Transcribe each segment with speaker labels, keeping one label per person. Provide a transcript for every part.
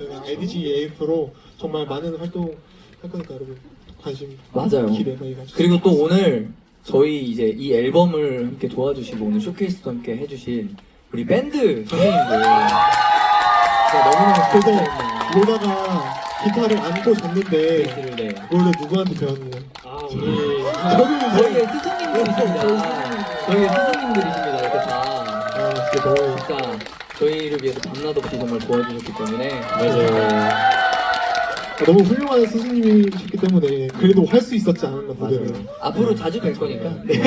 Speaker 1: 저희가 IDG-AF로 정말 많은 활동 할 거니까 여러분 관심
Speaker 2: 맞아요.
Speaker 1: 기대 많이 가주세요.
Speaker 2: 그리고 또 오늘 저희 이제 이 앨범을 함께 도와주시고 오늘 쇼케이스도 함께 해주신 우리 밴드 선생님들 너무너무
Speaker 1: 그래서
Speaker 2: 감사합니다.
Speaker 1: 로다가 기타를 안고 잤는데
Speaker 2: 베이스를 네.
Speaker 1: 원래 누구한테 배웠느냐?
Speaker 3: 아 우리
Speaker 2: 저희의 스승님들이십니다. 저희의 스승님들이십니다. 이렇게 다
Speaker 1: 아 진짜 너무
Speaker 2: 진짜 저희를 위해서 밤낮 없이 정말 도와주셨기 때문에
Speaker 3: 맞아요.
Speaker 1: 너무 훌륭한 스승님이셨기 때문에 그래도 할 수 있었지 않았나 무대를.
Speaker 2: 맞아요. 앞으로 자주 뵐 거니까. 네.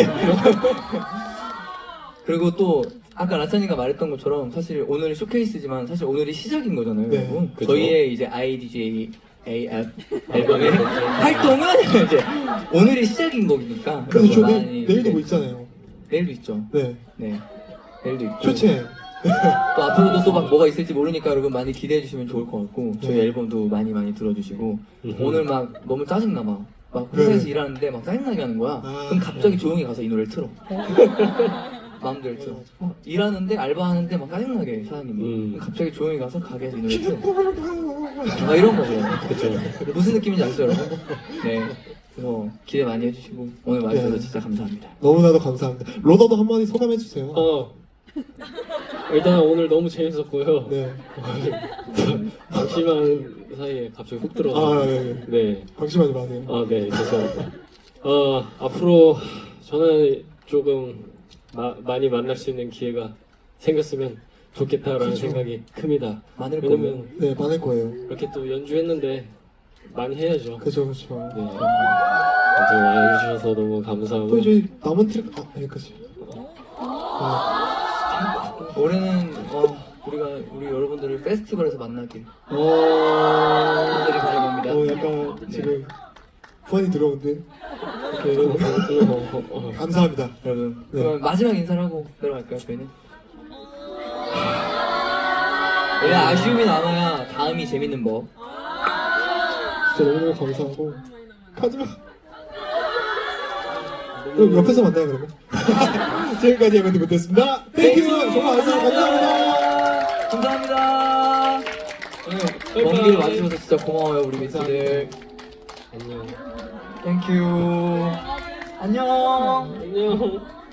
Speaker 2: 그리고 또 아까 라찬이가 말했던 것처럼 사실 오늘 쇼케이스지만 사실 오늘이 시작인 거잖아요.
Speaker 1: 네,
Speaker 2: 여러분.
Speaker 3: 그쵸.
Speaker 2: 저희의 이제 IDJ AF 앨범의 활동은 이제 오늘이 시작인 거니까.
Speaker 1: 그래서 저
Speaker 2: 많이-
Speaker 1: 내일도
Speaker 2: 네.
Speaker 1: 뭐 있잖아요.
Speaker 2: 내일도 있죠.
Speaker 1: 네.
Speaker 2: 네. 내일도 있고.
Speaker 1: 쇼챔.
Speaker 2: 또 앞으로도 또 막 뭐가 있을지 모르니까 여러분 많이 기대해 주시면 좋을 것 같고 저희
Speaker 1: 네.
Speaker 2: 앨범도 많이 들어주시고
Speaker 3: 음흠.
Speaker 2: 오늘 막 너무 짜증나 막 회사에서
Speaker 1: 네.
Speaker 2: 일하는데 막 짜증나게 하는 거야.
Speaker 1: 아.
Speaker 2: 그럼 갑자기 조용히 가서 이 노래를 틀어. 마음대로 틀어. 일하는데 알바하는데 막 짜증나게 사장님이. 그럼 갑자기 조용히 가서 가게에서 이 노래 틀어. 막 이런 거죠.
Speaker 3: 그쵸.
Speaker 2: 무슨 느낌인지 아시죠 여러분? 네. 그래서 기대 많이 해주시고 오늘 와주셔서
Speaker 1: 네.
Speaker 2: 진짜 감사합니다.
Speaker 1: 너무나도 감사합니다. 로더도 한마디 소감해 주세요.
Speaker 3: 일단 오늘 너무 재밌었고요.
Speaker 1: 네.
Speaker 3: 방심한 사이에 갑자기 훅
Speaker 1: 아,
Speaker 3: 들어가서
Speaker 1: 네.
Speaker 3: 네.
Speaker 1: 방심하지 마세요.
Speaker 3: 네, 죄송합니다. 앞으로 저는 조금 많이 만날 수 있는 기회가 생겼으면 좋겠다라는
Speaker 1: 그쵸.
Speaker 3: 생각이 큽니다.
Speaker 2: 많을
Speaker 3: 왜냐면
Speaker 1: 네, 많을 거예요.
Speaker 3: 이렇게 또 연주했는데 많이 해야죠.
Speaker 1: 그죠, 그죠.
Speaker 3: 네. 아무튼 와주셔서 너무 감사하고
Speaker 1: 또 이제 남은 트랙, 여기까지.
Speaker 2: 올해는 우리가 우리 여러분들을 페스티벌에서 만나길
Speaker 1: 네.
Speaker 2: 분들이 바라봅니다.
Speaker 1: 약간 지금 후환이 들어오는데. 이렇게 감사합니다.
Speaker 2: 여러분
Speaker 1: 네.
Speaker 2: 그럼 마지막 인사를 하고 내려갈까요 저희는? 원래 아쉬움이 남아야 다음이 재밌는 법.
Speaker 1: 진짜 너무너무 감사하고. 가지마. 그럼 옆에서 만나요, 그러면. 지금까지 에ቨ드 못했습니다. 땡큐! 정말 감사합니다.
Speaker 2: 감사합니다. 오늘 먼 길 와주셔서 진짜 고마워요 우리 미스들.
Speaker 3: 안녕.
Speaker 2: 땡큐. 안녕.
Speaker 3: 안녕.